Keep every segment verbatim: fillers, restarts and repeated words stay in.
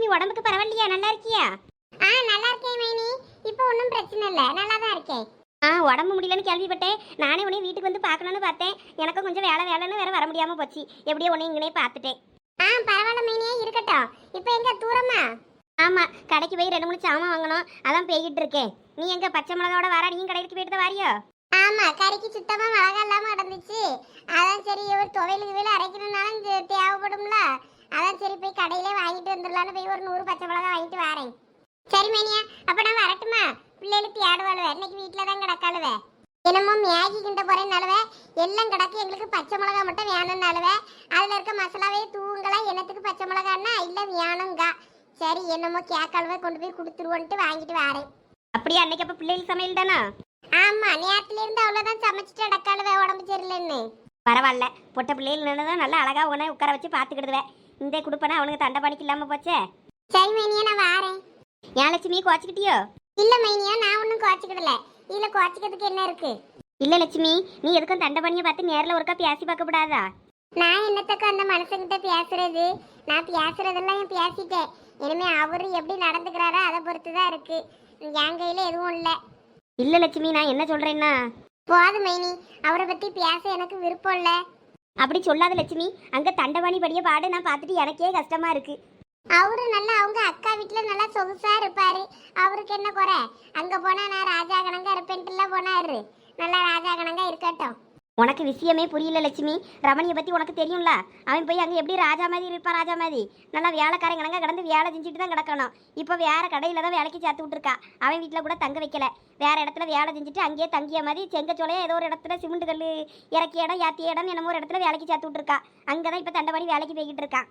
லட்சுமி உடம்புக்கு பரவாயில்லையா? நல்லா இருக்கியா? ஆ நல்லா இருக்கேன் மைனி. இப்போ ஒன்றும் பிரச்சனை இல்லை, நல்லா தான் இருக்கேன். ஆ உடம்பு முடியலன்னு கேள்விப்பட்டேன். நானே உன்னை வீட்டுக்கு வந்து பார்க்கணுன்னு பார்த்தேன். எனக்கும் கொஞ்சம் வேலை வேலைன்னு வேற வர முடியாம போச்சு. எப்படியோ உன்னை இங்கனே பார்த்துட்டேன். ஆ பரவாயில்ல மைனியே, இருக்கட்டும். இப்போ எங்க தூரமா? ஆமா, கடைக்கு போய் ரெண்டு மூணு சாமான் வாங்கணும், அதான் போய்கிட்டு இருக்கேன். நீ எங்க பச்சை மிளகாவோட வாரா? நீயும் கடைக்கு போயிட்டு தான் வாரியோ? ஆமா, கறிக்கு சுத்தமா மிளகா இல்லாம கிடந்துச்சு. அதான் சரி, ஒரு துவையலுக்கு வேலை அரைக்கணும்னாலும் தே- தேவைப்படும்ல. அதான் சரி போய் கடையிலே வாங்கிட்டு வந்துடலான்னு போய் ஒரு நூறு பச்சை மிளகா வாங்கிட்டு வரேன். சரி மைனியா, அப்ப நான் வரட்டுமா? பிள்ளைகளுக்கு தேடுவாளுவே, இன்னைக்கு வீட்டில தான் கிடக்காளுவே. என்னமோ மேகி கிண்ட போறேன்னாலுவே எல்லாம் கிடக்கு, எங்களுக்கு பச்சை மிளகா மட்டும் வேணும்னாலுவே. அதுல இருக்க மசாலாவே தூங்கலா, என்னத்துக்கு பச்சை மிளகான்னா இல்ல வேணுங்க. சரி என்னமோ கேக்காலுவே கொண்டு போய் கொடுத்துருவோன்ட்டு வாங்கிட்டு வரேன். அப்படியே அன்னைக்கு அப்ப பிள்ளைகள் சமையல் தானா? ஆமா, நேரத்துல இருந்து அவ்வளவுதான் சமைச்சிட்டு அடக்காளுவே, உடம்பு சரியில்லைன்னு. பரவாயில்ல, பொட்ட பிள்ளைகள் தான் நல்லா அழகா உன உட்கார வச்சு பார்த்துக்கிடுவேன். இந்த குடுப்பனா அவனுக்கு தண்டை பணிக்கு இல்லாம போச்சே. சரி மைனியா, நான் வாரேன். ஏன் லட்சுமி கோச்சிக்கிட்டியோ? இல்ல மைனியா, நான் ஒன்னும் குறைச்சிக்கிடல. இதுல குறைச்சிக்கிறதுக்கு என்ன இருக்கு? இல்ல லட்சுமி, நீ எதுக்கும் தண்டை பணியை பார்த்து நேரில் ஒருக்கா பேசி பார்க்க கூடாதா? நான் என்னத்துக்கு அந்த மனுஷங்கிட்ட பேசுறது? நான் பேசுறதெல்லாம் என் பேசிட்டேன். இனிமே அவரு எப்படி நடந்துக்கிறாரோ அதை பொறுத்துதான் இருக்கு. என் கையில எதுவும் இல்ல. இல்ல லட்சுமி, நான் என்ன சொல்றேன்னா, போது மைனி, அவரை பத்தி பேச எனக்கு விருப்பம் இல்ல. அப்படி சொல்லாத லட்சுமி. அங்க தண்டவாணி படிய பாடு நான் பார்த்துட்டு எனக்கே கஷ்டமா இருக்கு. அவரு நல்லா அவங்க அக்கா வீட்டுல நல்லா சொகுசா இருப்பாரு. அவருக்கு என்ன குறை? அங்க போனா நான் ராஜா கணங்கா இருப்பேன்ட்டுல போனாரு. நல்லா ராஜா கணங்கா இருக்கட்டும். உனக்கு விஷயமே புரியல லட்சுமி. ரமணியை பத்தி உனக்கு தெரியும்ல. அவன் போய் அங்க எப்படி ராஜா மாதிரி இருப்பான்? ராஜா மாதிரி நல்லா வேலைக்காரன் கணங்கா கிடந்து வேலை செஞ்சுட்டு தான் கிடக்கணும். இப்போ வேற கடையில தான் வேலைக்கு சேர்த்து விட்டுருக்கா. அவன் வீட்டில் கூட தங்க வைக்கல, வேற இடத்துல வேலை செஞ்சுட்டு அங்கேயே தங்கிய மாதிரி செங்கச்சோலையா ஏதோ ஒரு இடத்துல சிமெண்ட் கல் இறக்கிய இடம் யாத்திய இடம் என்னமோ ஒரு இடத்துல வேலைக்கு சேர்த்து விட்டுருக்கா. அங்கதான் இப்போ தண்டவாணி வேலைக்கு போய்கிட்டு இருக்கான்.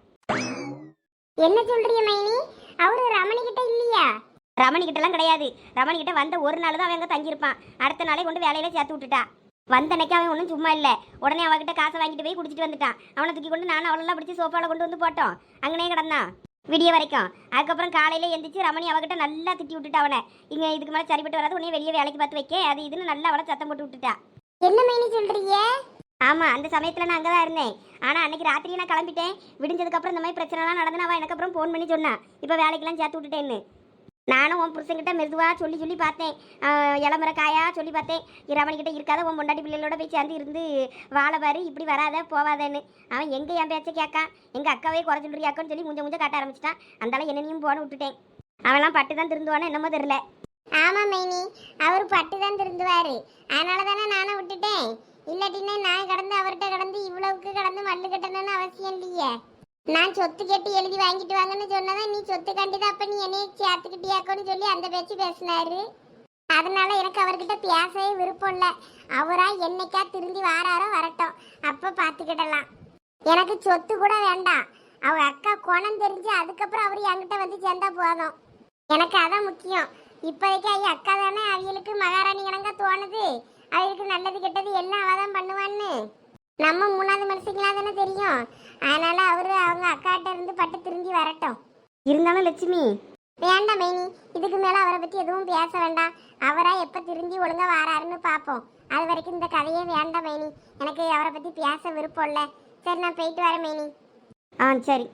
என்ன சொல்றீங்க மைனி? அவரு ரமணி கிட்ட இல்லையா? ரமணி கிட்டலாம் கிடையாது. ரமணி கிட்ட வந்த ஒரு நாள் தான் அவன் அங்கே தங்கியிருப்பான். அடுத்த நாளே கொண்டு வேலையில சேர்த்து விட்டுட்டா. வந்த அன்னைக்கு அவன் ஒன்றும் சும்மா இல்லை. உடனே அவகிட்ட காசை வாங்கிட்டு போய் குடிச்சிட்டு வந்துட்டான். அவனை தூக்கி கொண்டு நானும் அவளெல்லாம் பிடிச்சி சோஃபாவில் கொண்டு வந்து போட்டோம். அங்கனே கிடந்தான் விடிய வரைக்கும். அதுக்கப்புறம் காலையில எந்திரிச்சு ரமணி அவகிட்ட நல்லா திட்டி விட்டுட்டா. அவனை இங்கே இதுக்கு மேலே சரிப்பட்டு வராது, உடனே வெளியே வேலைக்கு பார்த்து வைக்க அது இதுன்னு நல்லா அவளை சத்தம் போட்டு விட்டுட்டா. என்ன மைனி சொல்றீங்க? ஆமா, அந்த சமயத்தில் நான் அங்கே தான் இருந்தேன். ஆனால் அன்னைக்கு ராத்திரி நான் கிளம்பிட்டேன். விடிஞ்சதுக்கப்புறம் இந்த மாதிரி பிரச்சனைலாம் நடந்து அவன் எனக்கு அப்புறம் ஃபோன் பண்ணி சொன்னான், இப்போ வேலைக்கெல்லாம் சேர்த்து விட்டுட்டேன்னு. நானும் உன் புருஷன்கிட்ட மெதுவாக சொல்லி சொல்லி பார்த்தேன். இளமர காயா சொல்லி பார்த்தேன். ரமணிக்கிட்ட இருக்காத உன் பொண்டாட்டி பிள்ளைகளோட போய் சேர்ந்து இருந்து வாழை பாரு, இப்படி வராத போவாதேன்னு. அவன் எங்கே என் பேச்சை கேட்கான். எங்கள் அக்காவே குறை சொல்றியாக்கன்னு சொல்லி முஞ்ச முஞ்ச காட்ட ஆரம்பிச்சிட்டான். அந்தால என்னையும் போன விட்டுட்டேன். அவன்லாம் பட்டு தான் திருந்துவானோ என்னமோ தெரியல. ஆமா மைனி, அவரு பட்டு தான் திருந்துவாரு. அதனால தானே நானும் விட்டுட்டேன். இல்லாட்டின்னா நான் கடந்து அவர்கிட்ட கடந்து இவ்வளவுக்கு கடந்து மல்லு கட்டணும்னு அவசியம் இல்லையே. நான் சொத்து கேட்டு எழுதி வாங்கிட்டு வாங்கன்னு சொன்னதான் நீ சொத்து கண்டிதான் அப்ப நீ என்னைய சேர்த்துக்கிட்டியாக்கோன்னு சொல்லி அந்த பேச்சு பேசினாரு. அதனால எனக்கு அவர்கிட்ட பேசவே விருப்பம் இல்லை. அவரா என்னைக்கா திருந்தி வாராரோ வரட்டும், அப்ப பாத்துக்கிடலாம். எனக்கு சொத்து கூட வேண்டாம். அவர் அக்கா குணம் தெரிஞ்சு அதுக்கப்புறம் அவர் என்கிட்ட வந்து சேர்ந்தா போதும். எனக்கு அதான் முக்கியம். இப்போதைக்கு ஐயா அக்கா தானே அவங்களுக்கு மகாராணி கணக்கா தோணுது. அவருக்கு நல்லது கெட்டது எல்லாம் அவதான் பண்ணுவான்னு நம்ம மூணாவது மனுஷங்களா தானே தெரியும். அதனால அவரு அவங்க அக்காட்ட இருந்து பட்டு திரும்பி வரட்டும். இருந்தாலும் லட்சுமி வேண்டாம் மைனி, இதுக்கு மேல அவரை பத்தி எதுவும் பேச வேண்டாம். அவரா எப்ப திரும்பி ஒழுங்கா வராருன்னு பாப்போம். அது வரைக்கும் இந்த கதையே வேண்டாம் மைனி. எனக்கு அவரை பத்தி பேச விருப்பம் இல்ல. சரி நான் போயிட்டு வரேன் மைனி. ஆ சரி.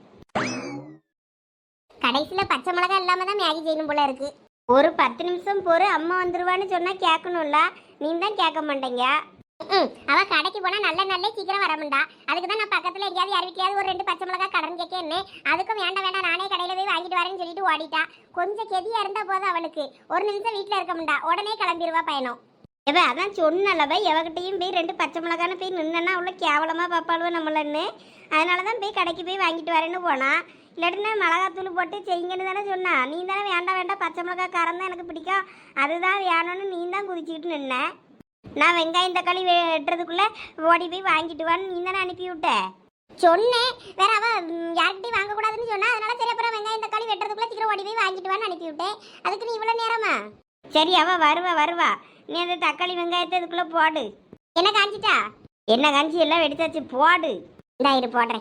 கடைசியில பச்சை மிளகா இல்லாம தான் மேகி செய்யணும் போல இருக்கு. ஒரு பத்து நிமிஷம் பொறு, அம்மா வந்துருவான்னு சொன்னா கேட்கணும்ல. நீ தான் கேட்க மாட்டேங்க. அவ கடைக்கு போனா நல்ல நல்ல சீக்கிரம் வரமுண்டா. அதுக்கு தான் நான் பக்கத்துல எங்கேயாவது யார் வீட்லயாவது ஒரு ரெண்டு பச்சை மிளகா கடன் கேட்கன்னு. அதுக்கும் வேண்டாம் வேண்டாம் நானே கடையில போய் வாங்கிட்டு வரேன்னு சொல்லிட்டு ஓடிட்டா. கொஞ்சம் கெதியா இருந்தா போதும் அவளுக்கு. ஒரு நிமிஷம் வீட்டுல இருக்க முண்டா, உடனே கிளம்பிடுவா பயணம். எவ அதான் சொன்னலவ, எவகிட்டையும் போய் ரெண்டு பச்சை மிளகான்னு போய் நின்னா அவ்வளோ கேவலமா பாப்பாளுவ நம்மளன்னு. அதனாலதான் போய் கடைக்கு போய் வாங்கிட்டு வரேன்னு போனா. இல்லாட்டினா மிளகாத்தூள் போட்டு செய்யுங்கன்னு தானே சொன்னா. நீ தானே வேண்டாம் வேண்டாம் பச்சை மிளகா காரம் தான் எனக்கு பிடிக்கும், அதுதான் வேணும்னு நீ தான் குதிச்சுக்கிட்டு நின்ன. நான் வெங்காயம் தக்காளி வெட்டுறதுக்குள்ள ஓடி போய் வாங்கிட்டு வான்னு நீ தானே அனுப்பி விட்ட. சொன்னேன் வேற அவ யார்கிட்டையும் வாங்க கூடாதுன்னு சொன்னா. அதனால சரி அப்புறம் வெங்காயம் தக்காளி வெட்டுறதுக்குள்ள சீக்கிரம் ஓடி போய் வாங்கிட்டு வான்னு அனுப்பி விட்டேன். அதுக்கு நீ இவ்வளவு நேரமா? சரி அவ வருவா வருவா. நீ அந்த தக்காளி வெங்காயத்தை அதுக்குள்ள போடு. என்ன காஞ்சிட்டா? என்ன காஞ்சி எல்லாம் வெடிச்சாச்சு, போடு. இந்தா இரு போடுறேன்.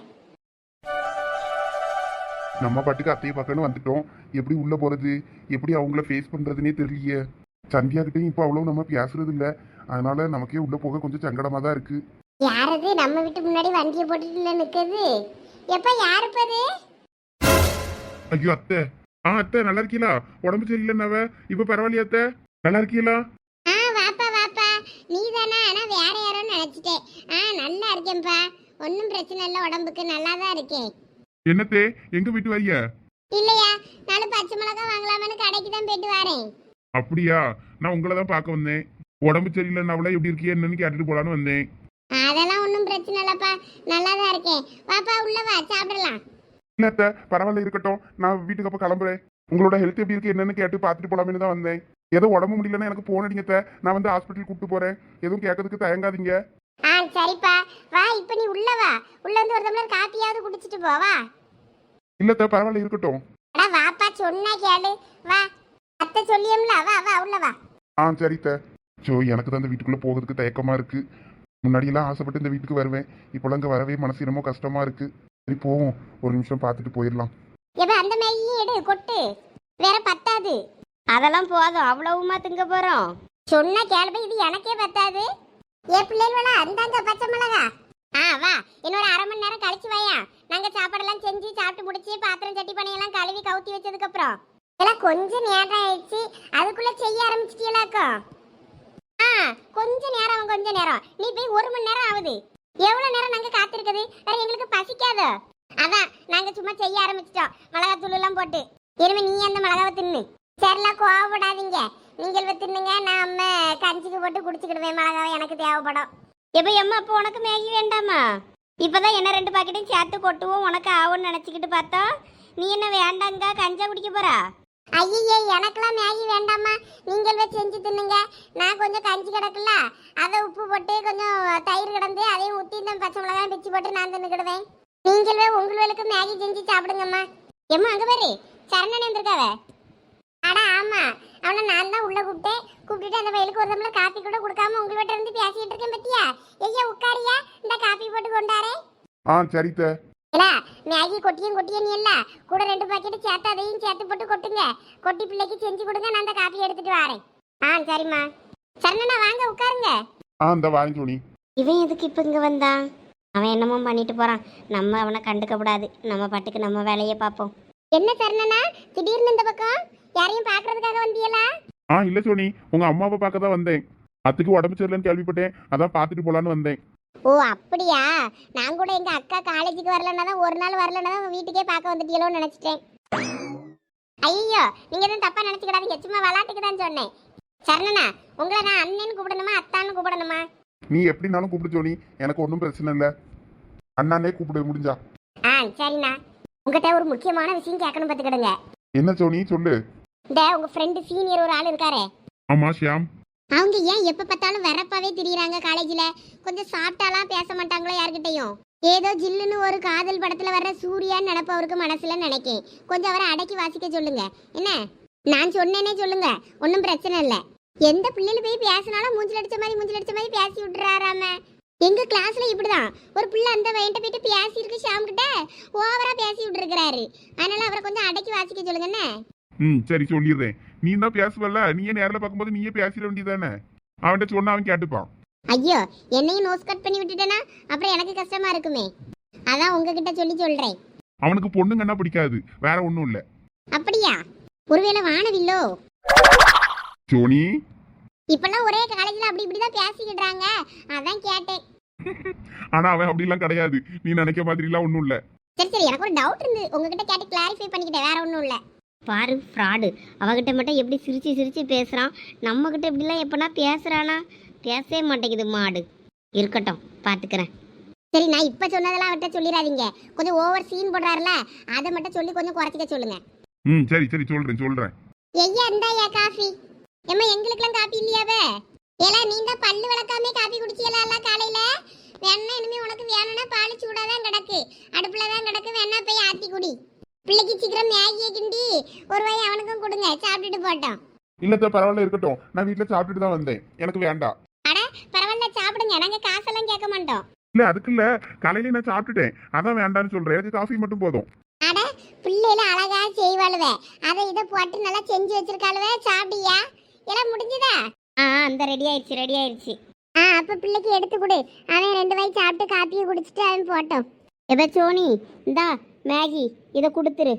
நம்ம பாட்டுக்கு அத்தையை பார்க்கணும் வந்துட்டோம். எப்படி உள்ள போறது, எப்படி அவங்கள ஃபேஸ் பண்றதுன்னே தெரியலையே. சந்தியா கிட்டையும் இப்போ அவ்வளவு நம்ம பேசுறது இல்லை. அதனால நமக்கே உள்ள போக கொஞ்சம் சங்கடமா தான் இருக்கு. யாரது நம்ம வீட்டு முன்னாடி வண்டியை போட்டுட்டு நிக்குது? எப்ப யாருப்பது? ஐயோ அத்தை. ஆ அத்தை நல்லா இருக்கீங்களா? உடம்பு சரியில்லைன்னாவ இப்ப பரவாயில்லையா அத்தை? நல்லா இருக்கீங்களா? ஆ வாப்பா வாப்பா, நீ தானா? ஆனா வேற யாரோ நினைச்சிட்டேன். ஆ நல்லா இருக்கேன்ப்பா, ஒன்றும் பிரச்சனை இல்லை, உடம்புக்கு நல்லா தான் இருக்கேன். என்னத்தே எங்க வீட்டு வரிய? இல்லையா, நானும் பச்சை மிளகாய் வாங்கலாமான்னு கடைக்கு தான் போயிட்டு வரேன். அப்படியா? நான் உங்களை தான் பார்க்க வந்தேன். உடம்பு சரியில்லைன்னாவள எப்படி இருக்கியா என்னன்னு கேட்டுட்டு போலான்னு வந்தேன். அதெல்லாம் ஒன்றும் பிரச்சனை இல்லைப்பா, நல்லா தான் இருக்கேன். வாப்பா உள்ள வா, சாப்பிடலாம். இல்ல அத்தை பரவாயில்ல இருக்கட்டும், நான் வீட்டுக்கு அப்ப கிளம்புறேன். உங்களோட ஹெல்த் எப்படி இருக்கு என்னன்னு கேட்டு பார்த்துட்டு போலாமேன்னு தான் வந்தேன். ஏதோ உடம்பு முடியலன்னா எனக்கு போன் அடிங்க அத்தை, நான் வந்து ஹாஸ்பிட்டல் கூப்பிட்டு போறேன். எதுவும் கேட்கறதுக்கு தயங்காதீங்க. ஆ சரிப்பா, வா இப்போ நீ உள்ள வா. உள்ள வந்து ஒரு டம்ளர் காப்பியாவது குடிச்சிட்டு போ, வா. இல்ல அத்தை பரவாயில்ல இருக்கட்டும். அடா வாப்பா, சொன்னா கேளு, வா. அத்தை சொல்லியம்ல, வா வா உள்ள வா. ஆ சரி அத்தை. ஸோ எனக்கு தான் இந்த வீட்டுக்குள்ள போகிறதுக்கு தயக்கமா இருக்கு. முன்னாடியெல்லாம் ஆசைப்பட்டு இந்த வீட்டுக்கு வருவேன், இப்போலாம் இங்கே வரவே மனசு என்னமோ கஷ்டமா இருக்கு. சரி போவோம், ஒரு நிமிஷம் பார்த்துட்டு போயிடலாம். எப்ப அந்த மேகியும் எடு, கொட்டு, வேற பத்தாது. அதெல்லாம் போதும், அவ்வளவுமா திங்க போறோம். சொன்னா கேள்வி, இது எனக்கே பத்தாது. ஏ பிள்ளைகளா, அந்தாங்க பச்சை மிளகா. ஆ வா, இன்னொரு அரை மணி நேரம் கழிச்சு வாயா. நாங்க சாப்பாடெல்லாம் செஞ்சு சாப்பிட்டு முடிச்சு பாத்திரம் சட்டி பணியெல்லாம் கழுவி கவுத்தி வச்சதுக்கு அப்புறம் எல்லாம் கொஞ்சம் நேரம் ஆயிடுச்சு, அதுக்குள்ள செய்ய ஆரம்பிச்சிட்டீங்களாக்கோ? ஆ கொஞ்ச நேரம், கொஞ்ச நேரம். நீ போய் ஒரு மணி நேரம் ஆகுது. எவ்வளவு நேரம் நாங்க காத்திருக்குது? வேற எங்களுக்கு பசிக்காதோ? அதான் நாங்க சும்மா செய்ய ஆரம்பிச்சிட்டோம், மிளகாத்தூள் எல்லாம் போட்டு. இனிமே நீ அந்த மிளகாவை தின்னு. சரிலாம் கோவப்படாதீங்க, நீங்கள் தின்னுங்க, நான் அம்மா கஞ்சிக்கு போட்டு குடிச்சுக்கிடுவேன். மிளகாவை எனக்கு தேவைப்படும். எப்ப எம்மா அப்போ உனக்கு மேகி வேண்டாமா? இப்பதான் என்ன ரெண்டு பாக்கெட்டையும் சேர்த்து கொட்டுவோம் உனக்கு ஆகும்னு நினைச்சுக்கிட்டு பார்த்தா நீ என்ன வேண்டாங்க கஞ்சா குடிக்க போறா? ஐயே, எனக்கெல்லாம் மேகி வேண்டாமா, நீங்கள் போய் செஞ்சு தின்னுங்க. நான் கொஞ்சம் கஞ்சி கிடக்குல்ல, அதை உப்பு போட்டு கொஞ்சம் தயிர் கிடந்து அதையும் ஊற்றி இந்த பச்சை மிளகாய் பிச்சு போட்டு நான் தின்னுக்கிடுவேன். நீங்கள் போய் உங்களுக்கு மேகி செஞ்சு சாப்பிடுங்கம்மா. எம்மா அங்கே பாரு, சரணனே வந்திருக்காவ. அடா ஆமா, அவனை நான் தான் உள்ள கூப்பிட்டேன். கூப்பிட்டுட்டு அந்த வயலுக்கு ஒரு தம்ளர் காப்பி கூட கொடுக்காம உங்கள்கிட்ட இருந்து பேசிட்டு இருக்கேன் பத்தியா? ஐயா உட்காரியா, இந்த காப்பி போட்டு கொண்டாரே. ஆ சரித்த. இல்ல மேகி கொட்டியும் கொட்டியும் நீ இல்ல கூட ரெண்டு பாக்கெட் சேர்த்து அதையும் சேர்த்து போட்டு கொட்டுங்க. கொட்டி பிள்ளைக்கு செஞ்சு கொடுங்க, நான் அந்த காப்பி எடுத்துட்டு வரேன். ஆ சரிம்மா. சரணா வாங்க உட்காருங்க. ஆ இந்த வாங்க சோனி. இவன் எதுக்கு இப்போ இங்கே வந்தான்? அவன் என்னமோ பண்ணிட்டு போறான், நம்ம அவனை கண்டுக்க கூடாது. நம்ம பாட்டுக்கு நம்ம வேலையை பார்ப்போம். என்ன சரணனா திடீர்னு இந்த பக்கம் யாரையும் பாக்குறதுக்காக வந்தியலா? ஆ இல்ல சோனி, உங்க அம்மாவை பார்க்க தான் வந்தேன். அத்துக்கு உடம்பு சரியில்லைன்னு கேள்விப்பட்டேன், அதான் பார்த்துட்டு போலான்னு வந்தேன். ஓ அப்படியா, நான் கூட எங்க அக்கா காலேஜுக்கு வரலன்னா தான், ஒரு நாள் வரலன்னா தான் வீட்டுக்கே பார்க்க வந்துட்டீங்களோன்னு நினைச்சிட்டேன். ஐயோ நீங்க எதுவும் தப்பா நினைச்சுக்கிடாதீங்க, சும்மா விளாட்டுக்கு தான் சொன்னேன். சரணனா உங்களை நான் அண்ணன்னு கூப்பிடணுமா அத்தான்னு கூப்பிடணுமா? நீ எப்படினாலும் கூப்பிடு சோனி, எனக்கு ஒன்றும் பிரச்சனை இல்லை. அண்ணானே கூப்பிடு முடிஞ்சா. ஆ சரிண்ணா. உங்ககிட்ட ஒரு முக்கியமான விஷயம் கேட்கணும் பார்த்துக்கிடுங்க. என்ன சோனி சொல்லு. இந்த உங்க ஃப்ரெண்டு சீனியர் ஒரு ஆள் இருக்காரே, ஆமா ஷியாம். அவங்க ஏன் எப்ப பார்த்தாலும் வெறப்பாவே திரியுறாங்க காலேஜ்ல? கொஞ்சம் சாப்பிட்டாலாம் பேச மாட்டாங்களோ யார்கிட்டயும்? ஏதோ ஜில்லுன்னு ஒரு காதல் படத்துல வர்ற சூர்யான்னு நினைப்பவருக்கு மனசுல நினைக்கேன். கொஞ்சம் அவரை அடக்கி வாசிக்க சொல்லுங்க. என்ன நான் சொன்னேனே சொல்லுங்க, ஒன்றும் பிரச்சனை இல்லை. எந்த பிள்ளைல போய் பேசினாலும் மூஞ்சில் அடிச்ச மாதிரி மூஞ்சில் அடிச்ச மாதிரி பேசி விட்டுறாராம. எங்க கிளாஸ்ல இப்படிதான் ஒரு பிள்ளை அந்த வயன்ட்ட போயிட்டு பேசி இருக்கு, ஷாம் கிட்ட ஓவரா பேசி விட்டு இருக்கிறாரு. அதனால அவரை கொஞ்சம் அடக்கி வாசிக்க சொல்லுங்க. என்ன ம் சரி சொல்லிடுறேன். நீ தான் பேசுவல்ல, நீயே நேரில் பார்க்கும்போது நீயே பேசிட வேண்டியதானே. அவன்கிட்ட சொன்னா அவன் கேட்டுப்பான். ஐயோ என்னையும் நோஸ் கட் பண்ணி விட்டுட்டேனா அப்புறம் எனக்கு கஷ்டமா இருக்குமே, அதான் உங்ககிட்ட சொல்லி சொல்றேன். அவனுக்கு பொண்ணுங்கன்னா பிடிக்காது, வேற ஒன்றும் இல்லை. அப்படியா? ஒருவேளை வானவில்லோ? சோனி இப்பெல்லாம் ஒரே காலேஜ்ல அப்படி இப்படிதான் பேசிக்கிடுறாங்க, அதான் கேட்டேன். ஆனா அவன் அப்படிலாம் கிடையாது, நீ நினைக்க மாதிரிலாம் ஒன்றும் இல்லை. சரி சரி, எனக்கு ஒரு டவுட் இருந்து உங்ககிட்ட கேட்டு கிளாரிஃபை பண்ணிக்கிட்டேன், வேற ஒன்றும் இல்லை. பாரு ஃப்ராடு, அவகிட்ட மட்டும் எப்படி சிரிச்சு சிரிச்சு பேசுறான், நம்ம கிட்ட இப்படிலாம் எப்பனா பேசுறானா? பேசவே மாட்டேங்குது மாடு. இருக்கட்டும் பார்த்துக்கிறேன். சரி நான் இப்ப சொன்னதெல்லாம் அவர்கிட்ட சொல்லிடாதீங்க, கொஞ்சம் ஓவர் சீன் போடுறாருல, அதை மட்டும் சொல்லி கொஞ்சம் குறைச்சிக்க சொல்லுங்க. ம் சரி சரி சொல்றேன் சொல்றேன். ஐயா இந்தாயா காஃபி. ஏம்மா எங்களுக்கெல்லாம் காஃபி இல்லையாவே? ஏலா நீ தான் பல்லு விளக்காமே காஃபி குடிச்சியலாம் காலையில? வேணா இனிமே உனக்கு வேணும்னா பால் சூடாதான் கிடக்கு, அடுப்புல தான் கிடக்கு, வேணா போய் ஆத்தி குடி. பிள்ளைக்கு சீக்கிரம் மேகியை கிண்டி ஒரு வாய் அவனுக்கும் கொடுங்க, சாப்பிட்டுட்டு போட்டோம். இல்லத்த பரவாயில்ல இருக்கட்டும், நான் வீட்டில் சாப்பிட்டுட்டு தான் வந்தேன், எனக்கு வேண்டாம். அட பரவாயில்ல சாப்பிடுங்க, நாங்க காசெல்லாம் கேட்க மாட்டோம். இல்ல அதுக்கு இல்ல, காலையில நான் சாப்பிட்டுட்டேன், அதான் வேண்டாம்னு சொல்றேன். எனக்கு காஃபி மட்டும் போதும். அட பிள்ளைல அழகா செய்வாளுவே, அதை இதை போட்டு நல்லா செஞ்சு வச்சிருக்காளுவே, சாப்பிட்டியா? எல்லாம் முடிஞ்சுதா? ஆ அந்த ரெடி ஆயிடுச்சு ரெடி ஆயிடுச்சு. ஆ அப்ப பிள்ளைக்கு எடுத்து கொடு, அவன் ரெண்டு வாய் சாப்பிட்டு காப்பியை குடிச்சிட்டு அவன் போட்டோம். எப்ப சோனி இந்தா மேகி இதை கொடுத்துரு.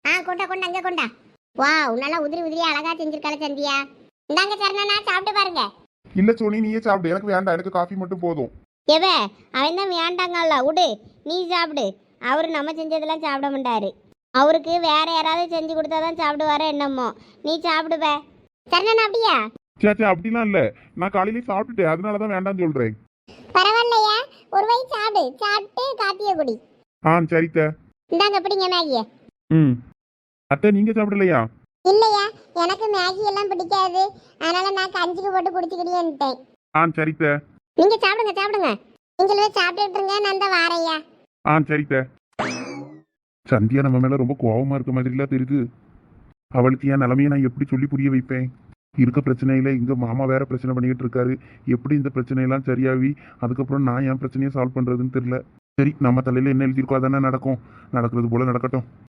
ஆ கொண்டா கொண்டா அங்க கொண்டா. வாவ், நல்லா உதிரி உதிரியா அழகா செஞ்சிருக்காள சந்தியா. இந்தாங்க சரணா, சாப்பிட்டு பாருங்க. இல்ல சோனி, நீயே சாப்பிடு, எனக்கு வேண்டாம், எனக்கு காஃபி மட்டும் போதும். எவ அவன் தான் வேண்டாங்கல்ல, விடு நீ சாப்பிடு. அவரு நம்ம செஞ்சதெல்லாம் சாப்பிட மாட்டாரு. அவருக்கு வேற யாராவது செஞ்சு கொடுத்தாதான் சாப்பிடுவாரோ என்னமோ. நீ சாப்பிடுவ. சரணா அப்படியா? சே சே அப்படிலாம் இல்ல, நான் காலையிலேயே சாப்பிட்டுட்டேன், அதனாலதான் வேண்டாம்னு சொல்றேன். பரவாயில்லையா, ஒரு வயசு சாப்பிடு, சாப்பிட்டு காப்பியை குடி. ஆ சரித்த. இந்தாங்க பிடிங்க மேகிய. ம் அத்தை, நீங்க சாப்பிடலையா? இல்லையா, எனக்கு மேகி எல்லாம் பிடிக்காது, அதனால நான் கஞ்சிக்கு போட்டு குடிச்சுக்கிட்டேன்ட்டேன். ஆ சரித்த. நீங்க சாப்பிடுங்க சாப்பிடுங்க, நீங்களே சாப்பிட்டுட்டு இருங்க, நான் தான் வாரையா. ஆ சரித்த. சந்தியா நம்ம மேல ரொம்ப கோவமா இருக்க மாதிரிலாம் தெரியுது. அவளுக்கு என் நிலைமையை நான் எப்படி சொல்லி புரிய வைப்பேன்? இருக்க பிரச்சனையில இங்க மாமா வேற பிரச்சனை பண்ணிக்கிட்டு இருக்காரு. எப்படி இந்த பிரச்சனையெல்லாம் சரியாவி அதுக்கப்புறம் நான் என் பிரச்சனையை சால்வ் பண்றதுன்னு தெரியல. சரி, நம்ம தலையில என்ன எழுதியிருக்கோ அதானே நடக்கும். நடக்கிறது போல நடக்கட்டும்.